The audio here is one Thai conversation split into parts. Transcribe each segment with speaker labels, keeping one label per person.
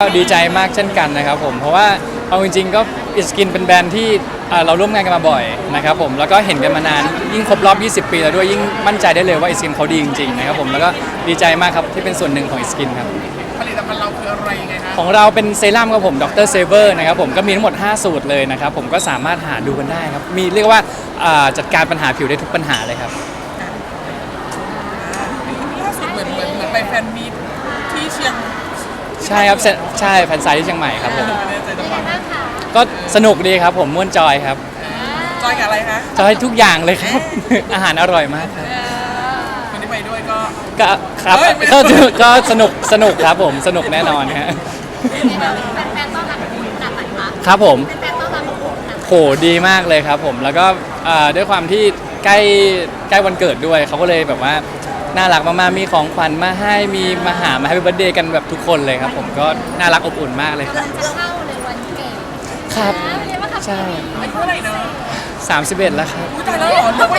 Speaker 1: ก็ดีใจมากเช่นกันนะครับผมเพราะว่าเอาจริงๆก็อิสกินเป็นแบรนด์ที่เราร่วมงานกันมาบ่อยนะครับผมแล้วก็เห็นกันมานานยิ่งครบรอบ 20 ปีแล้วด้วยยิ่งมั่นใจได้เลยว่าอิสกินเขาดีจริงๆนะครับผมแล้วก็ดีใจมากครับที่เป็นส่วนหนึ่งของอิสกินครับ
Speaker 2: ผลิตภัณฑ์เราคืออะไรยังไงฮะ
Speaker 1: ของเราเป็นเซรั่มครับผมดรเซเวอร์นะครับผมก็มีทั้งหมด5สูตรเลยนะครับผมก็สามารถหาดูกันได้ครับมีเรียกว่าจัดการปัญหาผิวได้ทุกปัญหาเลยครับ
Speaker 2: ล่าสุดเหมือนไปแฟนมีตที่เชียง
Speaker 1: ใช่ครับใช่แฟนไซต์ที่เชียงใหม่ครับผม
Speaker 2: ไม่แน่ใจจังหวัด
Speaker 1: ก็สนุกดีครับผมม่วนจอยครับ
Speaker 2: จอยกับอะไรคะ
Speaker 1: จอยทุกอย่างเลยครับ อาหารอร่อยมากครับ
Speaker 2: คนที่ไปด้วยก็
Speaker 1: ครับก็สนุกครับผมสนุกแน่นอนฮะ
Speaker 3: แฟนๆต้อนรับขนาดไหนคะ
Speaker 1: ครับผม
Speaker 3: แฟนๆต้อนรับ
Speaker 1: โหดีมากเลยครับผมแล้วก็ด้วยความที่ใกล้วันเกิดด้วยเขาก็เลยแบบว่าน่ารักมากๆมีของขวัญมาให้มีมาหามาให้เบิร์ธเดย์กันแบบทุกคนเลยครับผมก็น่ารักอบอุ่นมากเลยครับ
Speaker 3: กำลังจะเข้าเลยวันเกิด
Speaker 1: ครับใช่
Speaker 2: อายุเท่าไหร่เนาะ
Speaker 1: 31แล้วครับ
Speaker 2: ตายแล้วเหรอนึกว่า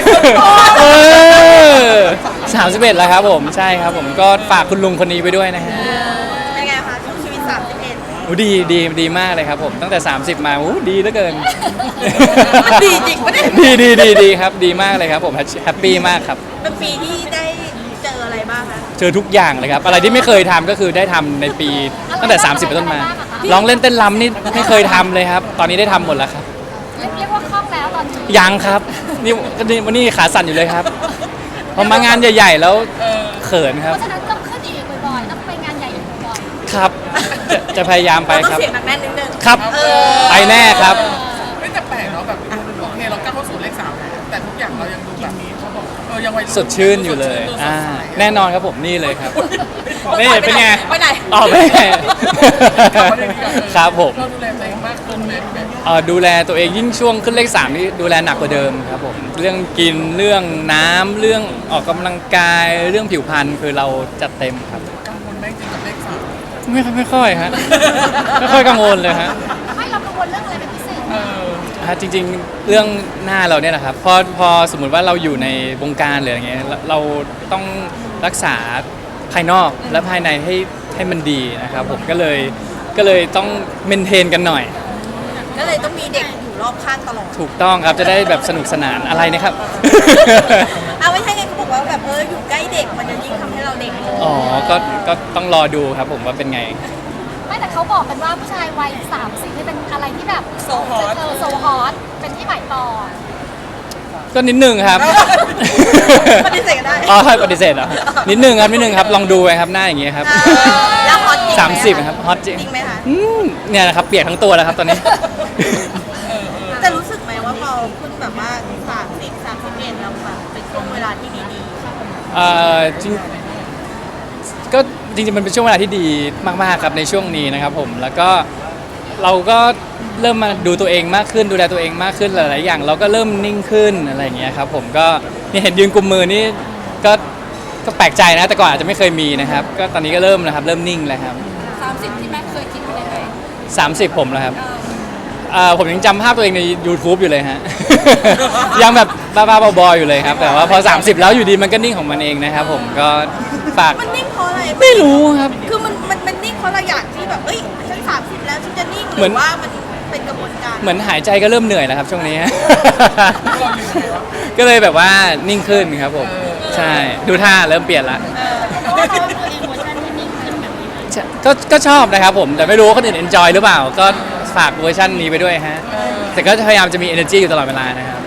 Speaker 1: 31แล้วครับผมใช่ครับผมก็ฝากคุณลุงคนนี้ไปด้วยนะฮะ
Speaker 3: เป็นไงคะช่วงชีวิต31
Speaker 1: ดีมากเลยครับผมตั้งแต่30มาดีเหลือเกิน
Speaker 3: ดีจริงปะเนี่ย
Speaker 1: ดีครับดีมากเลยครับผมแฮปปี้มากครับ
Speaker 3: เป็นปีที่ได้เจออะไรบ้างคะ
Speaker 1: เจอทุกอย่างเลยครับอะไรที่ไม่เคยทำก็คือได้ทำในปีตั้งแต่30เป็นต้นมาร้องเล่นเต้นรำนี่ไม่เคยทำเลยครับตอนนี้ได้ทำหมดแล้วครับ
Speaker 3: เรียกว่าคล่องแล้วตอนนี้
Speaker 1: ยังครับนี่วันนี้ขาสั่นอยู่เลยครับพอมางานใหญ่ๆแล้วเขินครับ
Speaker 3: เพราะฉะนั้นต้องขึ้นอีกบ่อยๆต้องไปงานใหญ่อีกบ่อย
Speaker 1: ๆครับจะพยายามไปครับ
Speaker 3: ต้องเสียงหนักแน่นนิดนึง
Speaker 1: ครับไปแน่ครับ
Speaker 2: ไม่แต่แปลกเนาะแบบโอเคเราก้าวเข้าสู่เลข3แต่ทุกอย่างเรายังดูแบบนี้เขาบอกยังวัยรุ่น
Speaker 1: สดชื่นอยู่เลยแน่นอนครับผมนี่เลยครับนี่เป็นไง
Speaker 3: ไปไหน
Speaker 1: อ๋อไม่ครับผม
Speaker 2: เราดูแลตัวเองมากขึ้นไหม
Speaker 1: ดูแลตัวเองยิ่งช่วงขึ้นเลข3นี่ดูแลหนักกว่าเดิมครับผมเรื่องกินเรื่องน้ำเรื่องออกกำลังกายเรื่องผิวพรรณคือเราจัดเต็มครับ
Speaker 2: กังวลไหมจริงกับเลข3
Speaker 1: ไม่ค่อยฮะไม่ค่อยกังวลเลยฮะ
Speaker 3: ไม่เรากังวลเรื่องอะไรเป็นพิเศษ
Speaker 1: จริงๆเรื่องหน้าเราเนี่ยแหละครับพอสมมุติว่าเราอยู่ในวงการหรืออย่างเงี้ยเราต้องรักษาภายนอกและภายในให้มันดีนะครับผมก็เลยต้องเมนเทนกันหน่อย
Speaker 3: ก็เลยต้องมีเด็กอยู่รอบข้างตลอด
Speaker 1: ถูกต้องครับจะได้แบบสนุกสนานอะไรนะครับ
Speaker 3: เอาไม่ใช่ไงเขาบอกว่าแบบอยู่ใกล้เด็กมันจะยิ่งทำให้เราเด็ก
Speaker 1: อ๋อก็ต้องรอดูครับผมว่าเป็นไง
Speaker 3: ไม่แต่เขาบอกกันว่าผู้ชายวัย30นี่เป็นอะไรที่แบบโซฮอตเป็นที่หมายปอง
Speaker 1: ก็นิดนึงครับ
Speaker 3: ปฏิเสธกันได้
Speaker 1: ปฏิเสธเหรอนิดนึงครับลองดูไปครับหน้าอย่างเงี้ยครับ
Speaker 3: แล้วฮอตจริง
Speaker 1: 30ครับฮอตจริง
Speaker 3: ไหมคะ
Speaker 1: เนี่ยนะครับเปียกทั้งตัวแล้วครับตอนนี้
Speaker 3: แต่รู้สึกไหมว่าพอคุณแบบว่า31แล้วแบบเป็นช่วงเวลาที่ดี
Speaker 1: ก็จริงๆมันเป็นช่วงเวลาที่ดีมากๆครับในช่วงนี้นะครับผมแล้วก็เราก็เริ่มมาดูตัวเองมากขึ้นดูแลตัวเองมากขึ้นหลายๆอย่างเราก็เริ่มนิ่งขึ้นอะไรอย่างเงี้ยครับผมก็นี่เห็นยืนกุมมือนี่ก็แปลกใจนะแต่ก่อนอาจจะไม่เคยมีนะครับก็ตอนนี้ก็เริ่มนะครับเริ่มนิ่งแล้วครับ
Speaker 3: 30ที่แม่เคยคิดไว้เลย
Speaker 1: 30ผมแล้วครับผมยังจำภาพตัวเองใน YouTube อยู่เลยฮะ ยังแบบบ้าๆบอๆอยู่เลยครับแต่ว่าพอ30แล้วอยู่ดีมันก็นิ่งของมันเองนะครับผมก็ฝาก
Speaker 3: มันนิ่งเพราะอะไร
Speaker 1: ไม่รู้ครับ
Speaker 3: คือมันนิ่งเพราะเราอยากที่แบบฉัน30แล้วฉันจะนิ่งหรือว่ามันเป็นกระบวนการ
Speaker 1: เหมือนหายใจก็เริ่มเหนื่อยแล้วครับช่วงนี้ ก็เลยแบบว่านิ่งขึ้นครับผมใช่ดูท่าเริ่มเปลี่ยนละก็ชอบนะครับผมแต่ไม่รู้ว่าคนอื่น enjoy หรือเปล่าก็ฝากเวอร์ชันนี้ไปด้วยฮะแต่ก็พยายามจะมี energy อยู่ตลอดเวลานะครับ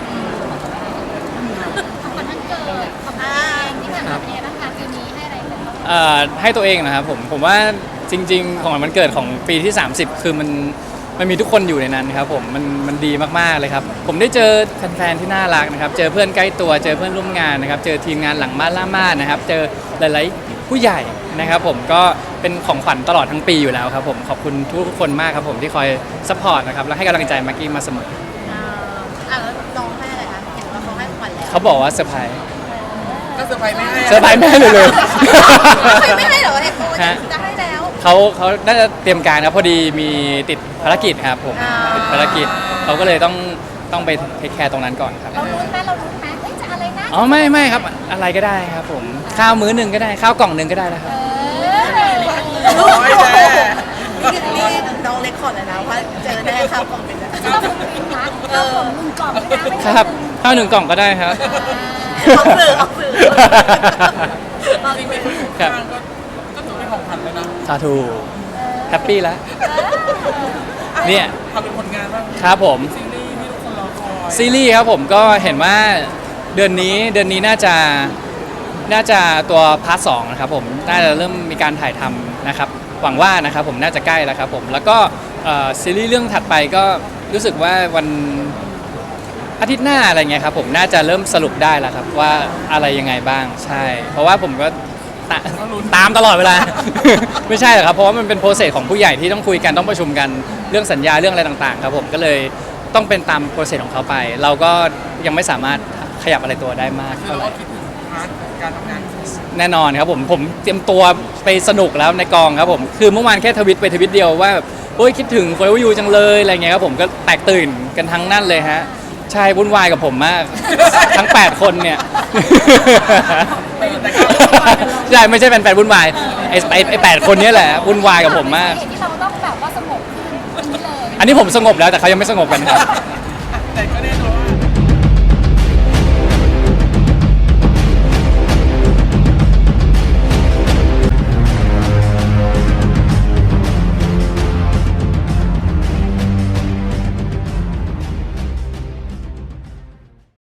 Speaker 1: ให้ตัวเองนะครับผมว่าจริงๆของวันเกิดของปีที่30คือมันมีทุกคนอยู่ในนั้นครับผมมันดีมากๆเลยครับผมได้เจอแฟนๆที่น่ารักนะครับเจอเพื่อนใกล้ตัวเจอเพื่อนร่วมงานนะครับเจอทีมงานหลังม่านล่าม่านนะครับเจอหลายๆผู้ใหญ่นะครับผมก็เป็นของขวัญตลอดทั้งปีอยู่แล้วครับผมขอบคุณทุกคนมากครับผมที่คอยซัพพอร์ตนะครับและให้กำลังใจมากกี้มาเสมอ
Speaker 3: แล้วน้องให้อะไรคะเห็นว่าเขาให้ขวัญแล้ว
Speaker 1: เขาบอกว่าเซอร์ไพรส์
Speaker 2: ก็เซอร์ไพรส์ไม่ให้
Speaker 1: เซอร์ไพรส์ไม่ให้เลย
Speaker 3: ไม่ให้เหรอเนี่ยจะให้แล้ว
Speaker 1: เขาน่าจะเตรียมการครับพอดีมีติดภารกิจครับผมติดภารกิจเขาก็เลยต้องไปเทคแคร์ตรงนั้นก่อนครับ
Speaker 3: เรารู้ไหมจะอะไรนะ
Speaker 1: อ๋อไม่ครับอะไรก็ได้ครับผมข้าวมื้อหนึ่งก็ได้ข้าวกล่องหนึ่งก็ได้นะครับ
Speaker 3: คอร์ดเลยนะว่าเจอแน่ครับคอมเมนต์นะ
Speaker 4: ชอบกินนะเอาผมมึงกล่องนะไม่ใช่
Speaker 1: ครับข้าวหนึ่งกล่องก็ได้ครับ
Speaker 3: ออกสื่อออกสื่อออก
Speaker 2: จริง
Speaker 3: สื่อ
Speaker 2: ๆทุกอย่างก็ถือเป็นของขวัญแล้วนะ
Speaker 1: สาธุแฮปปี้แล้ว เนี่ย
Speaker 2: ทำเป็นผลงานบ้าง
Speaker 1: ครับผม
Speaker 2: ซีรีส์ที่ทุกคนรอคอย
Speaker 1: ซีรีส์ครับผมก็เห็นว่าเดือนนี้น่าจะตัวพาร์ทสองนะครับผมน่าจะเริ่มมีการถ่ายทำนะครับหวังว่านะครับผมน่าจะใกล้แล้วครับผมแล้วก็ซีรีส์เรื่องถัดไปก็รู้สึกว่าวันอาทิตย์หน้าอะไรเงี้ยครับผมน่าจะเริ่มสรุปได้แล้วครับว่าอะไรยังไงบ้างใช่ เพราะว่าผมก็ตามตลอดเวลา ไม่ใช่หรอกครับเพราะว่ามันเป็นโปรเซสของผู้ใหญ่ที่ต้องคุยกันต้องประชุมกันเรื่องสัญญาเรื่องอะไรต่างๆครับผมก็เลยต้องเป็นตามโปรเซสของเขาไป เราก็ยังไม่สามารถขยับอะไรตัวได้มาก
Speaker 2: คือ
Speaker 1: เท่า
Speaker 2: เรา
Speaker 1: ไหร่
Speaker 2: ก็คิดถึงพาร์ทการทำงานของ
Speaker 1: แน่นอนครับผมเตรียมตัวไปสนุกแล้วในกองครับผมคือเมื่อวานแค่ทวิตไปทวิตเดียวว่าแบบโอ้ยคิดถึงโฟร์ยูจังเลยอะไรเงี้ยครับผมก็แตกตื่นกันทั้งนั่นเลยฮะใช่วุ่นวายกับผมมาก ทั้ง 8 คนเนี่ย
Speaker 2: แต่ก็
Speaker 1: ใช่ไม่ใช่แฟนๆวุ่นวายไอ้8 คนเนี้แหละวุ่นวายกับผมมาก
Speaker 4: ที่เราต้องแบบว่าสงบขึ้นนี้เลย
Speaker 1: อันนี้ผมสงบแล้วแต่เขายังไม่สงบกันครับ
Speaker 2: แต่ก็ได้รู้ว่า